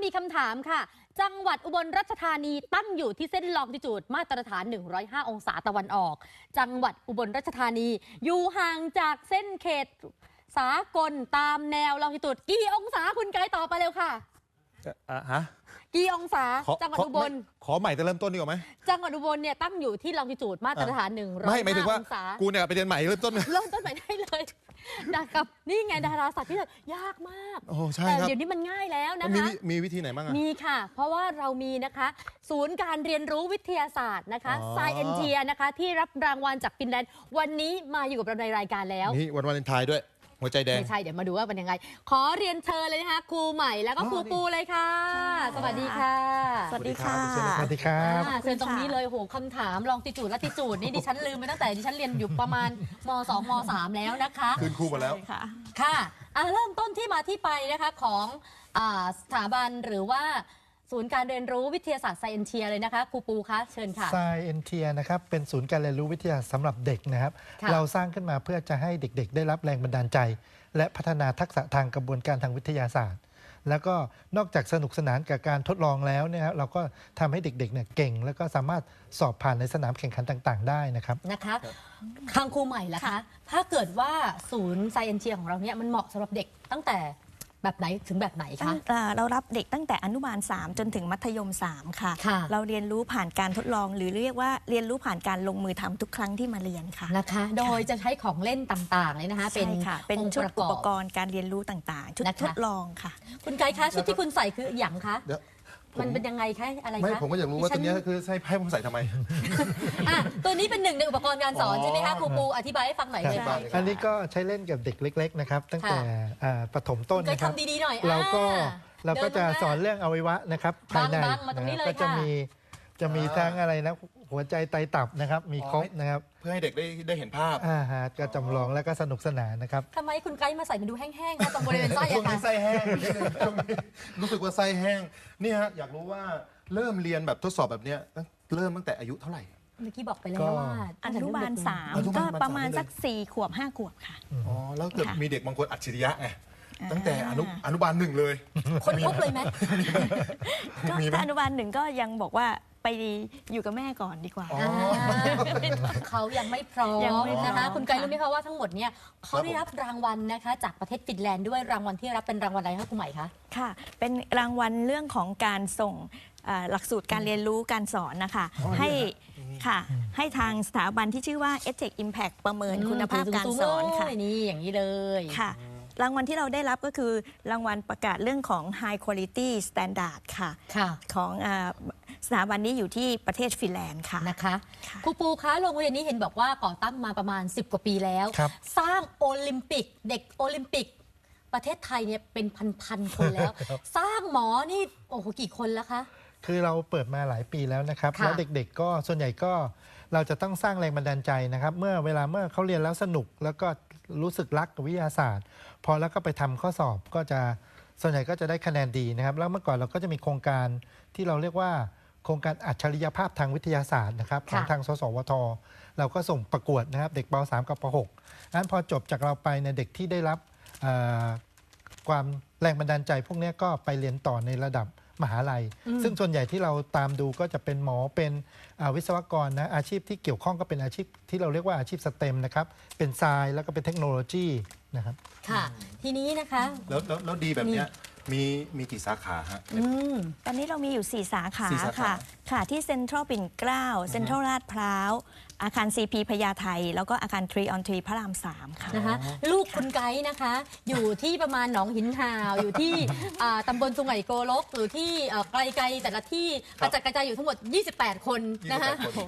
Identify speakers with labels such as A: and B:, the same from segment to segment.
A: มีคำถามค่ะจังหวัดอุบลราชธานีตั้งอยู่ที่เส้นลองจิจูดมาตรฐาน105องศาตะวันออกจังหวัดอุบลราชธานีอยู่ห่างจากเส้นเขตสากลตามแนวลองจิจูดกี่องศาคุณไกด์ตอบไปเร็วค่ะกี่องศาจังหวัดอุบล
B: ขอใหม่จะเริ่มต้นดีกว่าไหม
A: จังหวัดอุบลเนี่ยตั้งอยู่ที่ลองจิจูดมาตรฐาน105
B: ไม่หมายถึงว่า
A: องศา
B: กูเนี่ยไปเรียนใหม่เริ่มต้นใ
A: หม่ได้เลยนะครับนี่ไงดาราศาสตร์ที่ยากมาก
B: โอ้ใช่
A: แต่
B: ครับ
A: เดี๋ยวนี้มันง่ายแล้วนะคะ
B: มีวิธีไหนบ้าง
A: มีค่ะเพราะว่าเรามีนะคะศูนย์การเรียนรู้วิทยาศาสตร์นะคะ Scientia นะคะที่รับรางวัลจากฟินแลนด์วันนี้มาอยู่กับเราในรายการแล้ว
B: นี่วันวาเลนไทน์ด้วยหัวใจแดง
A: ไม่ใช่เดี๋ยวมาดูว่าเป็นยังไงขอเรียนเชิญเลยนะคะครูใหม่แล้วก็ครูปูเลยค่ะสวัสดีค่ะ
C: สวัสดีค่ะ
B: สวัสดีครับ
A: เชิญตรงนี้เลยโหคำถามลองติจูดและติจูดนี่ดิฉันลืมไปตั้งแต่ดิฉันเรียนอยู่ประมาณม2ม3แล้วนะคะ
B: คืนครูหมดแล้ว
A: ค่ะเริ่มต้นที่มาที่ไปนะคะของสถาบันหรือว่าศูนย์การเรียนรู้วิทยาศาสตร์ Scientia เลยนะคะครูปูคะเชิญค่ะ
C: Scientia นะครับเป็นศูนย์การเรียนรู้วิทยาศาสตร์สำหรับเด็กนะครับเราสร้างขึ้นมาเพื่อจะให้เด็กๆได้รับแรงบันดาลใจและพัฒนาทักษะทางกระบวนการทางวิทยาศาสตร์แล้วก็นอกจากสนุกสนานกับการทดลองแล้วเนี่ยเราก็ทำให้เด็กๆเนี่ยเก่งแล้วก็สามารถสอบผ่านในสนามแข่งขันต่างๆได้นะครับ
A: ทางครูใหม่ล่ะคะถ้าเกิดว่าศูนย์ Scientia ของเราเนี่ยมันเหมาะสำหรับเด็กตั้งแต่แบบไหนถึงแบบไหนคะ
D: เรารับเด็กตั้งแต่อนุบาล3จนถึงมัธยม3ค่ะเราเรียนรู้ผ่านการทดลองหรือเรียกว่าเรียนรู้ผ่านการลงมือทำทุกครั้งที่มาเรียนค่ะ
A: นะคะโดยจะใช้ของเล่นต่างๆเลยนะคะ
D: เป็นชุดอุปกรณ์การเรียนรู้ต่างๆชุดทดลองค่ะ
A: คุณไกด์คะชุดที่คุณใส่คืออย่างคะมันเป็นยังไงคะอะไรคะ
B: ไม่ผมก็อยากรู้ว่าตัวนี้คือให้ผมใส่ทำไม
A: ตัวนี้เป็นหนึ่งในอุปกรณ์การสอนใช่ไหมคะครูปูอธิบายให้ฟังหน่อยเลยค่ะ
C: อันนี้ก็ใช้เล่นกับเด็กเล็กๆนะครับตั้งแต่ประถมต้นนะครับ
A: ทำดีๆหน่อย
C: เราก็จะสอนเรื่องอวัยวะนะครับภายในก็จะมีทั้งอะไรนะหัวใจไตตับนะครับมีครบนะครับ
B: เพื่อให้เด็กได้เห็นภาพ
C: ก็จำลองแล้วก็สนุกสนานนะครับ
A: ทำไมคุณไกด์มาใส่มันดูแห้งๆนะตรงบริเวณไส้อะค่ะ
B: ไส้แห้งรู้สึกว่าไส้แห้งนี่ฮะอยากรู้ว่าเริ่มเรียนแบบทดสอบแบบนี้เริ่มตั้งแต่อายุเท่าไหร่
A: เมื่อกี้บอกไปแล้วว่า
D: อนุบาล3ก็ประมาณสัก4 ขวบ 5 ขวบค่ะ
B: อ๋อแล้วเกิดมีเด็กบางคนอัจฉริยะไงตั้งแต่อนุบาล1เลย
A: คนพบเลยไหม
D: ก็อนุบาล1ก็ยังบอกว่าไปอยู่กับแม่ก่อนดีกว่า
A: เขายังไม่พร้อมนะคะคุณไกด์รู้ไหมคะว่าทั้งหมดเนี่ยเขาได้รับรางวัลนะคะจากประเทศฟินแลนด์ด้วยรางวัลที่รับเป็นรางวัลอะไรคะคุณใหม่คะ
D: ค่ะเป็นรางวัลเรื่องของการส่งหลักสูตรการเรียนรู้การสอนนะคะให้ทางสถาบันที่ชื่อว่า EdTech Impact ประเมินคุณภาพการสอนค่ะ
A: นี่อย่างนี้เลย
D: ค่ะรางวัลที่เราได้รับก็คือรางวัลประกาศเรื่องของ High Quality Standard ค่ะของสถาบันนี้อยู่ที่ประเทศฟินแลนด์ค่ะ
A: นะคะครูปูคะโรงเรียนนี้เห็นบอกว่าก่อตั้งมาประมาณ10 กว่าปีแล้วสร้างโอลิมปิกเด็กโอลิมปิกประเทศไทยเนี่ยเป็นพันคนแล้วสร้างหมอนี่โอ้โหกี่คนแล้วคะ
C: คือเราเปิดมาหลายปีแล้วนะครับแล้วเด็กๆก็ส่วนใหญ่ก็เราจะต้องสร้างแรงบันดาลใจนะครับเมื่อเขาเรียนแล้วสนุกแล้วก็รู้สึกรักกับวิทยาศาสตร์พอแล้วก็ไปทำข้อสอบก็จะส่วนใหญ่ก็จะได้คะแนนดีนะครับแล้วเมื่อก่อนเราก็จะมีโครงการที่เราเรียกว่าโครงการอัจฉริยภาพทางวิทยาศาสตร์นะครับของทางสสวทเราก็ส่งประกวดนะครับเด็กป.3 กับป.6 นั้นพอจบจากเราไปในเด็กที่ได้รับความแรงบันดาลใจพวกนี้ก็ไปเรียนต่อในระดับมหาลัยซึ่งส่วนใหญ่ที่เราตามดูก็จะเป็นหมอเป็นวิศวกรนะอาชีพที่เกี่ยวข้องก็เป็นอาชีพที่เราเรียกว่าอาชีพสเต็มนะครับเป็นไซน์แล้วก็เป็นเทคโนโลยีนะครับ
A: ค่ะทีนี้นะคะ
B: แล้วดีแบบนี้มีกี่สาขาฮะ
D: ตอนนี้เรามีอยู่4 สาขาค่ะที่เซ็นทรัลปิ่นเกล้าเซ็นทรัลลาดพร้าวอาคาร CP พญาไทแล้วก็อาคาร3 on 3พระราม3ค่ะ
A: นะคะลูกคุณไกด์นะคะอยู่ที่ประมาณหนองหินห่าวอยู่ที่ตำบลสุไหงโกลกหรือที่ไกลๆแต่ละที่กระจายอยู่ทั้งหมด28 คนนะคะ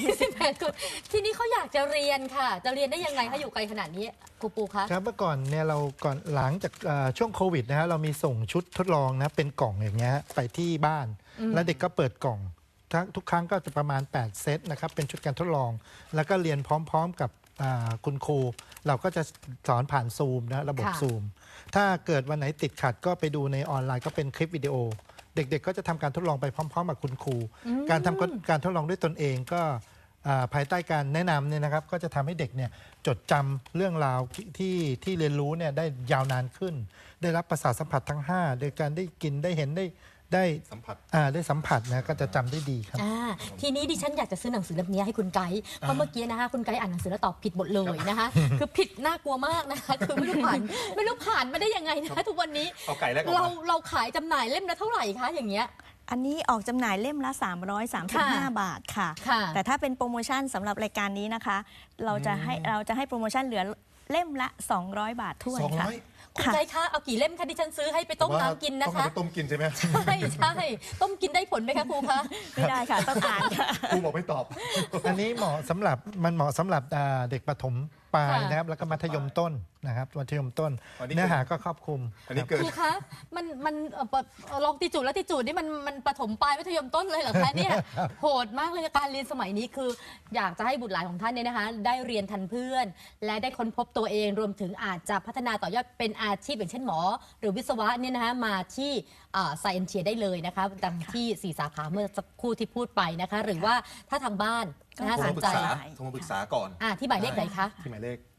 A: 28 คนทีนี้เขาอยากจะเรียนค่ะจะเรียนได้ยังไงคะอยู่ไกลขนาดนี้ครูปูคะ
C: ครับเมื่อก่อนเนี่ยเราก่อนหลังจากช่วงโควิดนะฮะเรามีส่งชุดทดลองนะเป็นกล่องอย่างเงี้ยไปที่บ้านแล้วเด็กก็เปิดกล่องทุกครั้งก็จะประมาณ8 เซตนะครับเป็นชุดการทดลองแล้วก็เรียนพร้อมๆกับคุณครูเราก็จะสอนผ่านซูมนะระบบซูมถ้าเกิดวันไหนติดขัดก็ไปดูในออนไลน์ก็เป็นคลิปวิดีโอเด็กๆก็จะทำการทดลองไปพร้อมๆกับคุณครูการทำการทดลองด้วยตนเองก็ภายใต้การแนะนำเนี่ยนะครับก็จะทำให้เด็กเนี่ยจดจำเรื่องราวที่เรียนรู้เนี่ยได้ยาวนานขึ้นได้รับประสาทสัมผัสทั้ง5โดยการได้กินได้เห็นได้
B: สัมผัส
C: ได้สัมผัสนะก็จะจำได้ดีครับ
A: ทีนี้ดิฉันอยากจะซื้อหนังสือเล่มนี้ให้คุณไกด์เพราะเมื่อกี้นะคะคุณไกด์อ่านหนังสือแล้วตอบผิดหมดเลยนะคะ คือผิดน่ากลัวมากนะคะคือไม่รู้ผ่านมาได้ยังไงนะคะทุกวันนี้
B: เอาไก่แรกออกมา
A: เราขายจำหน่ายเล่มละเท่าไหร่คะอย่างเงี้ย
D: อันนี้ออกจำหน่ายเล่มละ 335 บาทค่ะ
A: ค่ะ
D: แต่ถ้าเป็นโปรโมชั่นสำหรับรายการนี้นะคะ เราจะให้โปรโมชั่นเหลือเล่มละ 200 บาทถ้วนค่ะ
B: 200
A: คุณไกด์คะเอากี่เล่มคะดิฉันซื้อให้ไปต้มน้ำกินนะ
B: ต้อง
A: คะ
B: เอาไปต้มกินใช่ไหม
A: ใช่ต้มกินได้ผลไหมคะครูคะ
D: ไม่ได้ค่ะ ต้องอ่านค่ะ
B: ครูบอกไม่ตอบ
C: อันนี้เหมาะสำหรับเด็กประถมปลาย
A: ค่ะ
C: นะครับแล้วก็มัธยมต้นนะครับมัธยมต้น
B: อันนี้
C: เนื้อหาก็ครอบคลุม
B: อันนี้
C: ครับ
B: เกิด
A: ครูคะมันลองติจูดและติจูดนี่มันประถมปลายมัธยมต้นเลยเหรอคะเนี่ยโหดมากเลยการเรียนสมัยนี้คือ อยากจะให้บุตรหลานของท่านเนี่ยนะคะ ได้เรียนทันเพื่อน และได้ค้นพบตัวเองรวมถึงอาจจะพัฒนาต่อยอดเป็นอาชีพอย่างเช่นหมอ หรือวิศวะเนี่ยนะคะมาที่Science Chair ได้เลยนะคะดังที่4 สาขาเมื่อสักครู่ที่พูดไปนะคะ หรือว่าถ้าทางบ้านนะคะ
B: โทร
A: ส
B: มาน ปรึ
A: ใจ
B: กษาโทรมาปรึกษาก่อน
A: ที่หมายเลขไหนคะ
B: ที่หมายเลข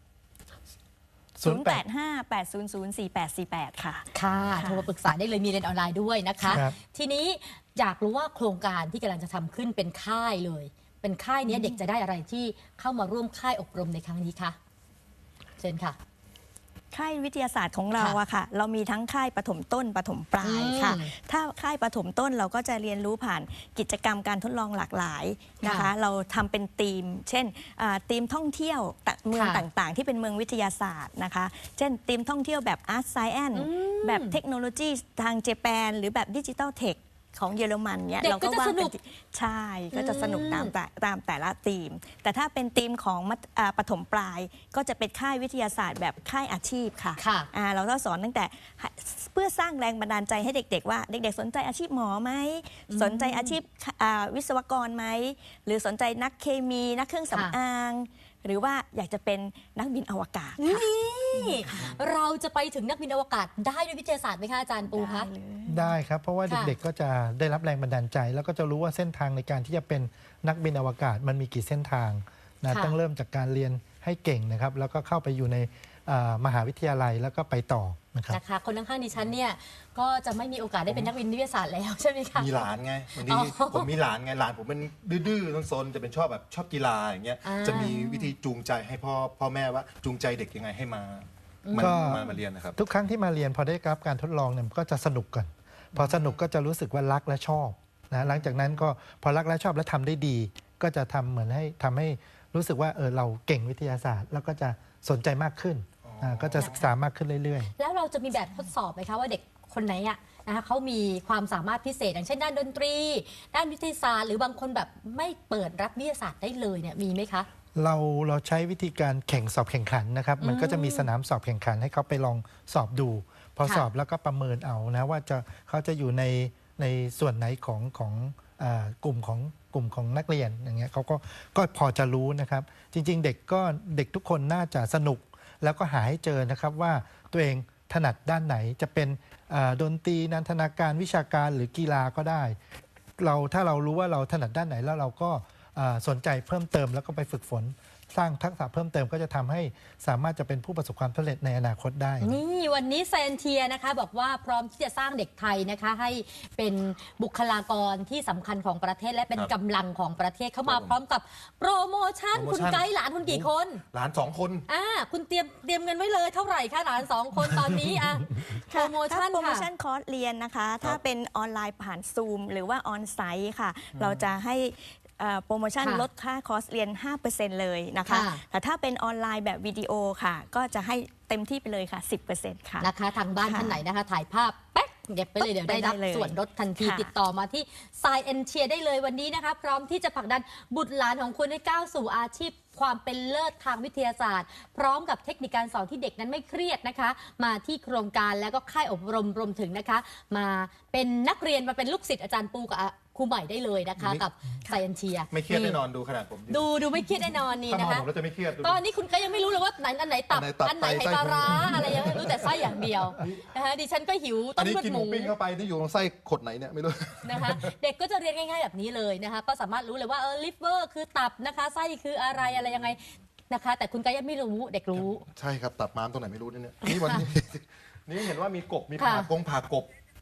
D: 0858004848 ค่ะ
A: ค่ะโทรมาปรึกษาได้เลยมีเรียนออนไลน์ด้วยนะคะ
C: ครับ
A: ทีนี้อยากรู้ว่าโครงการที่กำลังจะทำขึ้นเป็นค่ายเลย เป็นค่ายเนี้ยเด็กจะได้อะไรที่เข้ามาร่วมค่ายอบรมในครั้งนี้คะเชิญค่ะ
D: ค่ายวิทยาศาสตร์ของเราอะค่ะ เรามีทั้งค่ายปฐมต้นปฐมปลายค่ะ ถ้าค่ายปฐมต้นเราก็จะเรียนรู้ผ่านกิจกรรมการทดลองหลากหลายนะคะ
A: ค่ะ
D: เราทำเป็นธีม เช่นธีมท่องเที่ยวเมือง
A: ค่ะ
D: ต่างๆ ที่เป็นเมืองวิทยาศาสตร์นะคะ เช่นธีมท่องเที่ยวแบบอาร์ตไซแอนแบบเทคโนโลยีทางเจแปนหรือแบบดิจิทัลเทคของเยอรมันเนี่ย
A: เด็ก
D: เรา
A: ก็
D: ก็
A: จะ
D: ว่า
A: สนุ
D: เป็น
A: ก
D: ใช่ก็จะสนุกตามแต่ละธีม แต่ถ้าเป็นธีมของปฐมปลายก็จะเป็นค่ายวิทยาศาสตร์แบบค่ายอาชีพค่ะ
A: ค่ะ
D: เราก็สอนตั้งแต่เพื่อสร้างแรงบันดาลใจให้เด็กๆว่าเด็กๆสนใจอาชีพหมอไหมสนใจอาชีพวิศวกรไหมหรือสนใจนักเคมีนักเครื่องสำอาง หรือว่าอยากจะเป็นนักบินอวกาศค่ะ
A: นี่เราจะไปถึงนักบินอวกาศได้ด้วยวิทยาศาสตร์ไหมคะอาจารย์ปูคะ
D: ได้เลย
C: ได้ครับเพราะว่า
A: ค่ะ
C: เด็กๆก็จะได้รับแรงบันดาลใจ แล้วก็จะรู้ว่าเส้นทางในการที่จะเป็นนักบินอวกาศมันมีกี่เส้นทางนะต้องเริ่มจากการเรียนให้เก่งนะครับแล้วก็เข้าไปอยู่ในมหาวิทยาลัยแล้วก็ไปต่อนะครับ
A: นะคะคนข้างๆดิฉันเนี่ยก็จะไม่มีโอกาสได้เป็นนักบินวิทยาศาสตร์แล้วใช่ไหมคะ
B: มีหลานไงบางทีผมมีหลานไงหลานผมเป็นดื้อๆซนๆจะเป็นชอบกีฬาอย่างเงี้ยจะมีวิธีจูงใจให้พ่อแม่ว่าจูงใจเด็กยังไงให้มาเรียนนะครับ
C: ทุกครั้งที่มาเรียนพอได้รับการทดลองเนี่ยก็จะสนุกก่อนพอสนุกก็จะรู้สึกว่ารักและชอบนะหลังจากนั้นก็พอรักและชอบและทำได้ดี ก็จะทำให้รู้สึกว่าเราเก่งวิทยาศาสตร์ แล้วก็จะสนใจมากขึ้นก็จะศึกษามากขึ้นเรื่อยๆ
A: แล้วเราจะมีแบบทดสอบไหมคะว่าเด็กคนไหนอะนะคะเขามีความสามารถพิเศษอย่างเช่นด้านดนตรี ด้านวิทยาศาสตร์หรือบางคนแบบไม่เปิดรับวิทยาศาสตร์ได้เลยเนี่ยมีไหมคะ
C: เราใช้วิธีการสอบแข่งขันนะครับ มันก็จะมีสนามสอบแข่งขันให้เขาไปลองสอบดู พอ
A: ค่ะ
C: สอบแล้วก็ประเมินเอานะว่าเขาจะอยู่ในส่วนไหนของกลุ่มของนักเรียนอย่างเงี้ยเขาก็พอจะรู้นะครับ จริงๆเด็กทุกคนน่าจะสนุกแล้วก็หาให้เจอนะครับว่าตัวเองถนัดด้านไหนจะเป็นดนตรีนันทนาการวิชาการหรือกีฬาก็ได้ถ้าเรารู้ว่าเราถนัดด้านไหนแล้วเราก็สนใจเพิ่มเติมแล้วก็ไปฝึกฝน สร้างทักษะเพิ่มเติมก็จะทำให้สามารถจะเป็นผู้ประสบความสำเร็จในอนาคตได้
A: นี่วันนี้ไซเอนเทียนะคะบอกว่าพร้อมที่จะสร้างเด็กไทยนะคะให้เป็นบุคลากรที่สำคัญของประเทศและเป็นกำลังของประเทศเข้ามาพร้อมกับโปรโมชั่นคุณไกด์หลานคุณกี่คน
B: หลาน2 คน
A: คุณเตรียมเงินไว้เลยเท่าไหร่คะหลาน2 คนตอนนี้โปรโมชั่น
D: ถ้าโปรโม
A: ค่ะ
D: ชั่นคอร์สเรียนนะคะ ถ้าเป็นออนไลน์ผ่านซูมหรือว่าออนไซต์ค่ะ เราจะให้โปรโมชั่น
A: ค่ะ
D: ลดค่าคอร์สเรียน 5% เลยนะคะ
A: ค่ะ
D: แต่ถ้าเป็นออนไลน์แบบวิดีโอค่ะ ก็จะให้เต็มที่ไปเลยค่ะ 10% ค่ะ
A: นะคะทางบ้าน
D: ค่ะ
A: ท่านไหนนะคะถ่ายภาพแป๊กเก็บไปเลยเดี๋ยวได้รับ
D: ไปได้เลย
A: ส่วนลดทันที
D: ค่ะ
A: ติดต่อมาที่ Science Chair ได้เลยวันนี้นะคะพร้อมที่จะผลักดันบุตรหลานของคุณให้ก้าวสู่อาชีพความเป็นเลิศทางวิทยาศาสตร์ พร้อมกับเทคนิคการสอนที่เด็กนั้นไม่เครียดนะคะ มาที่โครงการแล้วก็ค่ายอบรมรวมถึงนะคะ มาเป็นนักเรียนมาเป็นลูกศิษย์อาจารย์ปูกับครูใหม่ได้เลยนะคะ กับ Science Chair
B: ไม่เครียดแน่นอนดูขนาดผม
A: ดูไม่เครียดแน่นอนนี่
B: ถ้ามอง
A: นะคะ
B: ผมแล้วจะไม่เครียดดู
A: ตอนนี้คุณก็ยังไม่รู้เลยว่าอันไหนตับ
B: อันไหนตับ
A: อันไหน
B: ไต
A: ไข่ปลาร้าอะไรยังไม่รู้แต่ไส้อย่างเดียวนะคะดิฉันก็หิว
B: อั
A: ต้
B: น
A: ม
B: นี้
A: เลือด
B: กิน
A: ห
B: หมู
A: มู
B: ปิ้งเข้าไปนี่อยู่ตรงไส้ขดไหนเนี่ยไม่รู้
A: นะคะเด็กก็จะเรียนง่ายๆแบบนี้เลยนะคะก็สามารถรู้เลยว่าลิฟเวอร์คือตับนะคะไส้คืออะไรยังไงนะคะ แต่คุณก็ยังไม่รู้เด็กรู้
B: ใช่ครับตับม้ามตรงไหนไม่รู้เนี่ยนี่วันนี้ นี่เห็นว่ามีกบมี
A: ค่ะ
B: ผ่ากบ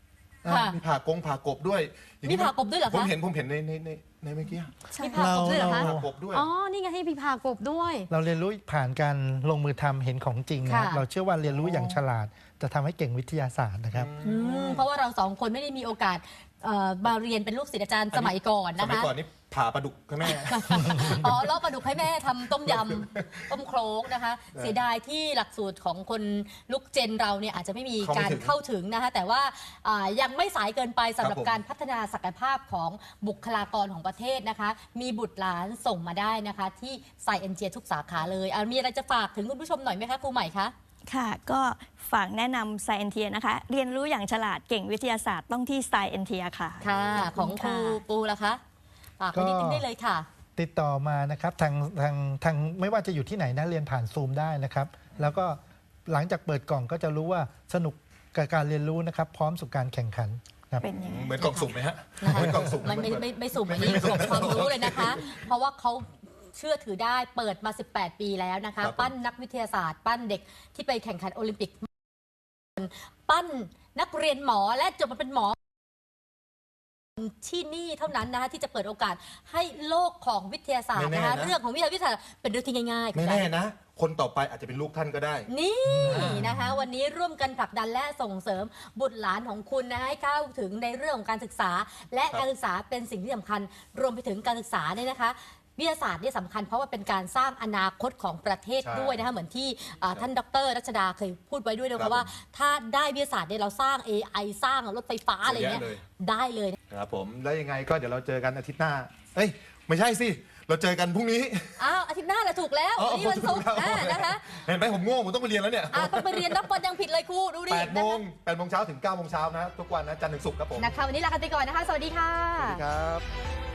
A: ค่ะ
B: มีผ่ากบด้วยอย่ง
A: มี
B: นี้
A: ผ่ากบด้วยเหรอคะ
B: ผมเห็นในเมื่อกี้
A: มีผ่ากบด้วยเหรอคะ
B: ผ่ากบด้วย
A: อ๋อ นี่ไงให้มีผ่ากบด้วย
C: เราเรียนรู้ผ่านการลงมือทำเห็นของจริงนะครับ
A: ค่ะ
C: เราเชื่อว่าเรียนรู้อย่างฉลาดจะทำให้เก่งวิทยาศาสตร์นะครับ
A: เพราะว่าเราสองคนไม่ได้มีโอกาสมาเรียนเป็นลูกศิษย์อาจารย์สมัยก่อน
B: ส
A: นะ
B: มัย
A: คะ
B: ก่อนนี่ผ่าปลาดุกใช่ไหม
A: อ๋อลอกปลาดุกให้แม่ทำต้มยำ ต้มโครกนะคะ เสียดายที่หลักสูตรของคนลุกเจนเราเนี่ยอาจจะไม่มีการเข้าถึงนะคะ แต่ว่ายังไม่สายเกินไปสำหรับการพัฒนาศักยภาพของบุคลากรของประเทศนะคะ มีบุตรหลานส่งมาได้นะคะ ที่ไซเอ็นเจียทุกสาขาเลยมีอะไรจะฝากถึงคุณผู้ชมหน่อยไหมคะครูใหม่คะ
D: ค่ะก็ฝากแนะนำ Scientia นะคะ เรียนรู้อย่างฉลาดเก่งวิทยาศาสตร์ต้องที่ Scientia ค่ะ
A: ค่ะ
D: ขบ
A: ของ
D: ณ
A: ครูปูล่ะคะฝากไปนิดนึงได้เลยค่ะ
C: ติดต่อมานะครับทางไม่ว่าจะอยู่ที่ไหนนะเรียนผ่านซูมได้นะครับ แล้วก็หลังจากเปิดกล่องก็จะรู้ว่าสนุกกับการเรียนรู้นะครับ พร้อมสู่การแข่งขันครับ
D: เป็นยังไง
B: เหมือนกล่องสุ่มไหมฮะ
A: นะคะ
B: เหมือนกล่องสุ่ม
A: มันไม่สุ่มอันนี้ของความรู้เลยนะคะ เพราะว่าเขาเชื่อถือได้เปิดมา 18 ปีแล้วนะคะ
B: ครับผม
A: ปั้นนักวิทยาศาสตร์ ปั้นเด็กที่ไปแข่งขันโอลิมปิก ปั้นนักเรียนหมอและจบมาเป็นหมอที่นี่เท่านั้นนะคะที่จะเปิดโอกาสให้โลกของวิทยาศาสตร์นะคะ เรื่องของวิทยาศาสตร์เป็นเรื่องที่ง่ายๆ
B: ไม่แน่นะ คนต่อไปอาจจะเป็นลูกท่านก็ได้
A: นี่นะคะ วันนี้ร่วมกันผลักดันและส่งเสริมบุตรหลานของคุณนะให้เข้าถึงในเรื่องของการศึกษา และการศึกษาเป็นสิ่งที่สำคัญ รวมไปถึงการศึกษาเนี่ยนะคะ วิทยาศาสตร์เนี่ยสำคัญเพราะว่าเป็นการสร้างอนาคตของประเทศ
B: ใช่
A: ด้วยนะคะเหมือนที่ท่านดรรัชดาเคยพูดไว้ด้วยนะ
B: ครั
A: คะ
B: บ
A: ว่า ถ้าได้วิทยาศาสตร์เนี่ยเราสร้าง AI สร้างรถไฟฟ้าอะไรเงี้ย
B: เยอะเลย
A: ได้เลย
B: ครับผมแล้วยังไงก็เดี๋ยวเราเจอกันอาทิตย์หน้า เอ้ยไม่ใช่สิ เราเจอกันพรุ่งนี้
A: อ้าวอาทิตย์หน้าแหละถูกแล้ว
B: อ๋อ
A: วันนี้วันศุกร์
B: ถูกแล้ว
A: นะคะ
B: เห็นไหมผมง่วงผมต้องไปเรียนแล้วเนี่ย
A: ต้องไปเรียนนับบอลยังผิดเลยครูดูดิ
B: 8 โมงเช้าถึง 9 โมงเช้านะทุกวันนะจันทร์ถึงศุกร์ครับผม
A: นะคะวันนี้ลากันไปก่อนนะคะ สวัสดีค่ะ
B: สวัสดีครับ